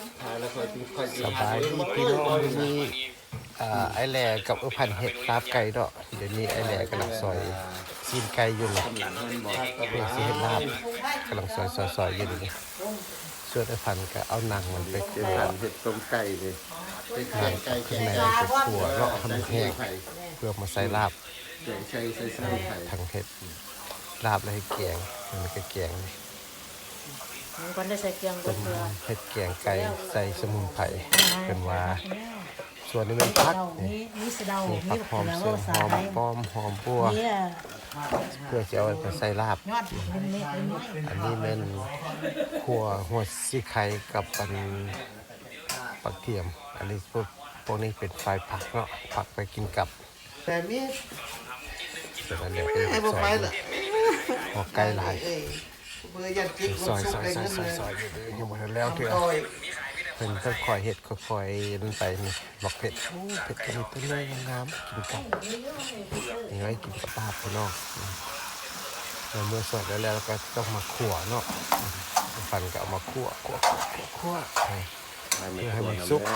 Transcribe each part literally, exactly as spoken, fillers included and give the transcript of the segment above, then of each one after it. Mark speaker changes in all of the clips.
Speaker 1: สบายดีพี่น้องมีอ่าไอแหล่กับอุพันเห็ดลาบไก่ดอกเดี๋ยวนี้ไอแหล่กำลังซอยซีนไก่อยู่เลยเพื่อสิเห็ดลาบกำลังซอยซอยซอยอยู่นี่ส่วนไอพันก็เอาหนังมันไปคั่ว
Speaker 2: เห็ดต้มไก่เลย
Speaker 1: หนังกับข้างในไปคั่วเลาะทำแห้งเพื่อมาใส่ลาบ
Speaker 2: แกงไก่ใส่สมุนไพร
Speaker 1: ทั้งเห็ดลาบและให้แกงมันก็แกง
Speaker 3: มันก็ได้ใส่เกลือ
Speaker 1: ต้ม
Speaker 3: เกลือ
Speaker 1: เห็ดแกงไก่ใส่สมุนไพรเป็นว่าส่วนนี้เป็นพักนี่
Speaker 3: นี่นี่สะเดา
Speaker 1: มี
Speaker 3: นี่
Speaker 1: ผักหอม
Speaker 3: แล้ว
Speaker 1: เสริมห
Speaker 3: สา
Speaker 1: อม
Speaker 3: ย
Speaker 1: ป้อมหอมบัว
Speaker 3: เนี่ย
Speaker 1: เพื่อจะเอาไปใส่ลาบ
Speaker 3: ยอดเป็นเม็ดเป็นน้อย
Speaker 1: อันนี้เป็นหัวหัวซีไข่กับปันปักเทียม อันนี้พวกพวกนี้เป็นไฟผักเนาะผักไปกินกับ
Speaker 2: แต่มี
Speaker 1: เสร็จแล้วเดี๋ยวไป
Speaker 2: ไอ้บ่
Speaker 1: ซอ
Speaker 2: ไป
Speaker 1: ย
Speaker 2: ล่ะ
Speaker 1: หัวไก่ลาย
Speaker 2: เอ้ยเบอร์ยันจิ๊ก
Speaker 1: ซอยซอยซอยซอยซอยอยู่เลยยังหมดแล้วเถอะ
Speaker 2: โอ้ย
Speaker 1: เป็นค่อยๆเห็ดค่อยๆนั่นไปนี่บอกเผ็ดโอ้เผ็ดตัวนี้ตัวนี้งามๆกินกับยังไงกินกับลาบพี่น้องแล้วเมื่อสดแล้วแล้วก็ต้องมาขั่วเนาะฟันก็เอามาขั่วขั่วขั่วขั่วให้ เพื่อให้มันสุก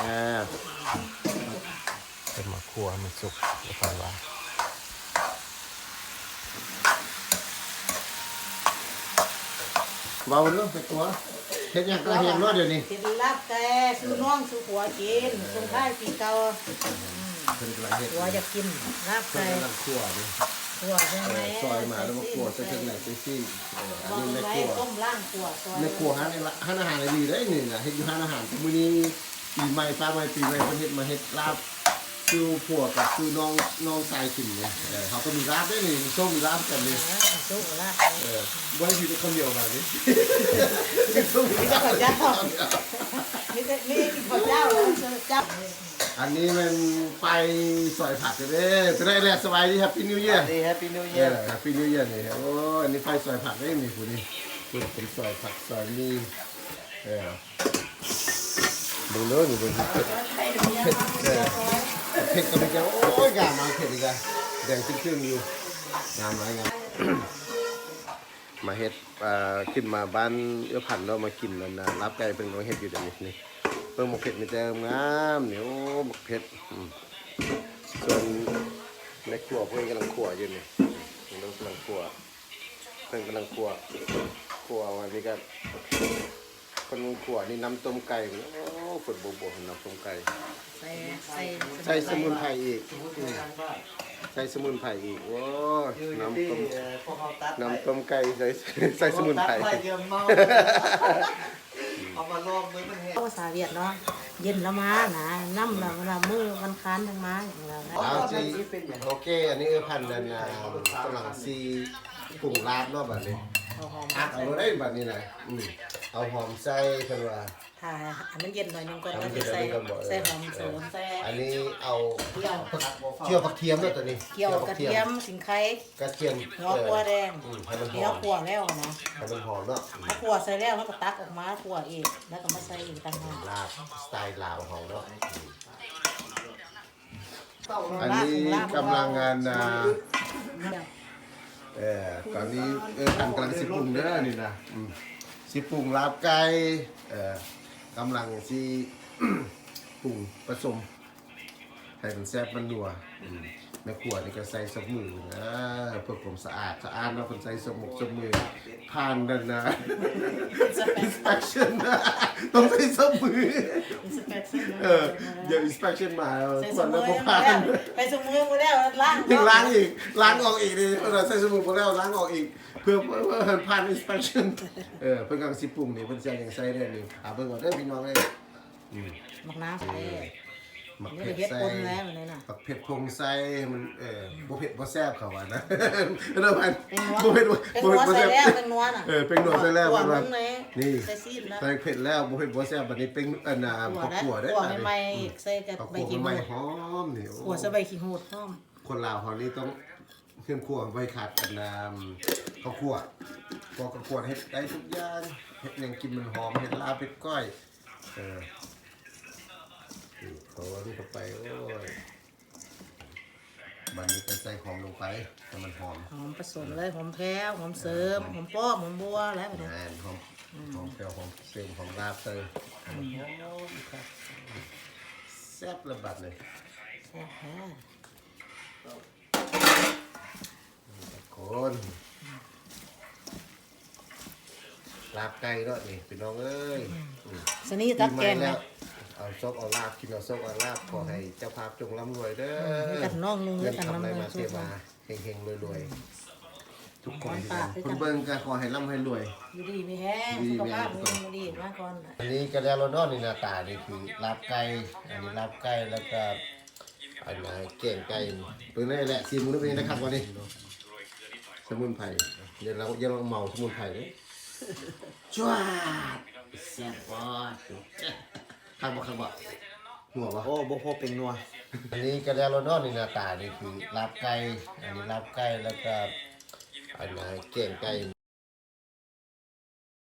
Speaker 1: เป็นมาขั่วให้มันสุกแล้วฟันว่า
Speaker 2: เบาเรื่องไปตัวเฮ็ดหยังก็เฮ็ดรอดเดี๋ยวนี้
Speaker 3: เป็นลาบแกซื้อน้องซื้อหัวกินส่งท้ายปีเก่า
Speaker 2: เพิ่นกำลังเฮ็ด
Speaker 3: หัวจะกินลาบแก
Speaker 2: เพิ่นกำลังคั่วดิ
Speaker 3: หัวใช่ไหม
Speaker 2: ซอยมาแล้วมาคั่วใส่เครื่องในใส่ซี่เอออัน
Speaker 3: วาง
Speaker 2: นี้แม่
Speaker 3: ไว้
Speaker 2: คั่ว
Speaker 3: ต้มล่างขัวซอย
Speaker 2: แม่คั่วหาในละหาอาหารได้ดีได้นี่น่ะเฮ็ดอยู่หาอาหารมื้อนี้ปีใหม่ฟ้าใหม่ปีใหม่เพิ่นเฮ็ดมาเฮ็ดลาบคือผัวกับคือน้องน้องชายกินเนี่ยเออเขาก็มีลาบได้นี่ส้มมีลาบกันนี่
Speaker 3: สุกลาบ
Speaker 2: เออไว้ที่จะคนเดียวมานี่ส้มมี
Speaker 3: นี่
Speaker 2: ลา
Speaker 3: ก็
Speaker 2: บ
Speaker 3: ข้าวเจ้านี่ก็นี่กินข้าวเจ้าแล้วเจ้า
Speaker 2: อันนี้มันไปสอยผักกันเด้จะได้แลกสบายดีครับพี่นิวเยียร์
Speaker 4: ดีแฮปปี้นิว
Speaker 2: เอ
Speaker 4: เยียร์
Speaker 2: อครับพี่นิวเยียร์นี่โอ้อันนี้ไฟสอยผักได้มีผู้นี้คุณเป็นสอยผักสอยมีเออดูเลยดูดูเผ็ดเผ็ดเออเผ็ดก็ไม่แก่โอ้ยงามมาเผ็ดอีกอะแดงขึ้นๆอยู่งามหลายงาม มาเฮ็ดอ่าขึ้นมาบ้านเอื้อพันธุ์เรามากินแล้วนะรับไก่เป็นมาเฮ็ดอยู่เดี๋ยวนี้นี่เพิ่งหมกเผ็ดมีแต่งามเหนียวหมกเผ็ดอืมส่วนในครัวเพิ่นกำลังคั่วอยู่นี่เพิ่นกำลังคั่วเพิ่นกำลังคั่วคั่ววันนี้ก็คนคั่วนี่น้ำต้มไก่โอ้ฝนโบกๆน้ำต้มไก่
Speaker 3: ใส่ใส่
Speaker 2: ใส่สมุนไพรอีกอืมใส่สมุนไพรอีกโอ้ยน้ำต้ม
Speaker 4: พวกเขาตัด
Speaker 2: น้ำต้มไก่ใส่ใส่สมุนไพร
Speaker 4: ตัดเยอะมากเอามาลองมือมันเห็น
Speaker 3: ภาษาเวียดเนาะเย็นแล้วมานะน้ำแล้วเวลามือวันค้านทั้งมาอย่างเงี้ย
Speaker 2: เอาจีโอเค อันนี้เออพันนันนะกำลังซีปรุงลาบเนาะแบบนี้
Speaker 3: เอาหอม
Speaker 2: อักเอาได้แบบนี้นะอืมเอาหอมใส่เพิ่นว่า
Speaker 3: ถ้าอันนั้นเย็นหน่อยนึงก่อน
Speaker 2: อัน
Speaker 3: ก็
Speaker 2: นี้
Speaker 3: จะ
Speaker 2: เดี๋ยว
Speaker 3: ใส่
Speaker 2: นี้ก็บอก
Speaker 3: ใส่หอมเสริมใส่
Speaker 2: อันนี้เอา
Speaker 3: เกี่ยว
Speaker 2: เจียวผักเทียมเนาะตัวนี้
Speaker 3: เกี่ยวกระเทียมสิงไข่
Speaker 2: กระเทียม
Speaker 3: หัวขัวแดง
Speaker 2: อืมให้มันห
Speaker 3: เดี๋ย
Speaker 2: อ
Speaker 3: ว
Speaker 2: ม
Speaker 3: ขัวแล้วนะ
Speaker 2: ให้มันหอมเนาะ
Speaker 3: ถ้าขัวใส่แล้วมันก็ตักออกมาขัวอีกแล้วก็มาใส่อีกต่างหาก
Speaker 2: ลาบสไตล์ลาวของเนาะ
Speaker 3: อั
Speaker 2: อันนี้กำลังงานอ่าเออตอนนี้เออพันกำลังสิปรุงเด้อนี่นะอืมสิปรุงลาบไก่เออกำลังสิ ปรุงผสมให้มันแซ่บมันนัวอืมแม่ครัวนี่ก็ใส่สมือนะเพื่อความสะอาดสะอาดเนาะคนใส่สมกสมือผ่านนั่นนะ inspection นะต้องใส่สมือเออเดี๋ยว inspection มา
Speaker 3: ใส่
Speaker 2: ค
Speaker 3: ส
Speaker 2: น
Speaker 3: มื
Speaker 2: แล้ว
Speaker 3: อ
Speaker 2: ก็
Speaker 3: มา
Speaker 2: ผ่า
Speaker 3: แล้ว
Speaker 2: น
Speaker 3: ไปสมือมาแล้วล้าง
Speaker 2: ถึงล้างอีกล้างออกอีกนี่เราใส่สมุนไพรแล้วล้างออกอีกเพื่อเพื่อเพื่อให้ผ่าน inspection เออเพิ่นกำลังสิปรุงนี่เพิ่นจะยังใส่ได้นี่หาเบิ่งก่อนเด้อพี่น้องเอ้ยอืม
Speaker 3: หมักน้ำใส่
Speaker 2: หมัก
Speaker 3: นี่
Speaker 2: เผ็ด
Speaker 3: เฮ็ด
Speaker 2: ใส่
Speaker 3: ปนแล้วนี่น่ะ
Speaker 2: หมักเผ็ดพงใส่มันเออบ่เผ็ดบ่แซ่บเขาว่านะ เด้อพัน
Speaker 3: เป็นนัว
Speaker 2: บ่เผ็ดบ่
Speaker 3: เป็น
Speaker 2: บ่
Speaker 3: นัว
Speaker 2: เผ็ดบ่
Speaker 3: ใส่
Speaker 2: แซ่บ
Speaker 3: แล้วเป็นนัวน่ะ
Speaker 2: เออเป็นนัวใส่แล้ว
Speaker 3: ขัว
Speaker 2: มัน
Speaker 3: มึ
Speaker 2: ว่า
Speaker 3: งเลย
Speaker 2: นี่
Speaker 3: ใส่ซีดแล้ว
Speaker 2: ใส่เผ็ดแล้วบ่เผ็ดบ่แซ่บบัดนี้เป็นอันน่ะ
Speaker 3: ขัว
Speaker 2: ข้าว
Speaker 3: ได้
Speaker 2: คั่วได้
Speaker 3: ขัว
Speaker 2: บัดนี้
Speaker 3: ใหม่ๆใส่กับ
Speaker 2: ข้าว
Speaker 3: ใบ
Speaker 2: คั่ว
Speaker 3: ขี้
Speaker 2: ให
Speaker 3: หู
Speaker 2: ม่
Speaker 3: ด
Speaker 2: หอมนี่โอ้
Speaker 3: ขัวใส่ใบขี้หูดพร้อม
Speaker 2: คนลาวเขานี่ต้องเครื่องครัวไว้ขาดกันน้ำข้าวคั่วพอข้าวคั่วเฮ็ดได้ทุกอย่างเฮ็ดหยังกินมันหอมเฮ็ดลาบเฮ็ดก้อยเออนี่เขาว่านี่เข้าไปโอ้ยบัดนี้ก็ใส่หอมลงไปให้มันหอม
Speaker 3: หอมผสมเลยหอมแพ้วหอมเสริมหอมป้อมหอมบัวแล้วแบบนี้
Speaker 2: งานหอมหอมแก้วหอมเซลล์หอมลาบเตยซ่บระบาดเลย
Speaker 3: แซ่บแท้
Speaker 2: คนลาบไก่เนาะนี่พี่น้องเอ้ย
Speaker 3: สนี่ตักแกง
Speaker 2: แล้
Speaker 3: นะ
Speaker 2: วเอาซบเอาลาบกินเอาซบเอาลาบขอให้เจ้าภาพจงร่ำรวยเด้อ
Speaker 3: ให้กันน้องลุง
Speaker 2: เงิ
Speaker 3: ให้
Speaker 2: น
Speaker 3: กัน
Speaker 2: ทำอะไร
Speaker 3: น้ำเลย
Speaker 2: มาเท
Speaker 3: สู้
Speaker 2: มาเฮงๆรวยๆทุกคน
Speaker 3: ปากให้
Speaker 2: คุ
Speaker 3: กั
Speaker 2: ณ
Speaker 3: น
Speaker 2: เบิ้งก็ขอให้ร่ำให้รวย
Speaker 3: อยู่ดีมีแห้งสุขภาพมีดีมาก่อน
Speaker 2: อันนี้กระเดียโรนอนนี่หน้าตานี่คือลาบไก่อันนี้ลาบไก่แล้วก็อันนี้เก่งไก่ตัวนี้แหละซีมูนเป็นนะครับวันนี้สมุนไพรเดี๋ยวเราเดี๋ยวเราเมาสมุนไพรเลยจ้าแซ่บปอดข้างบ่ข้างบ่หัวบ่
Speaker 4: โอ้บ่พอเป็นนัว
Speaker 2: อันนี้กระเดียโรนอนนี่หน้าตานี่คือลาบไก่อันนี้ลาบไก่แล้วก็อันนี้เก่งไก่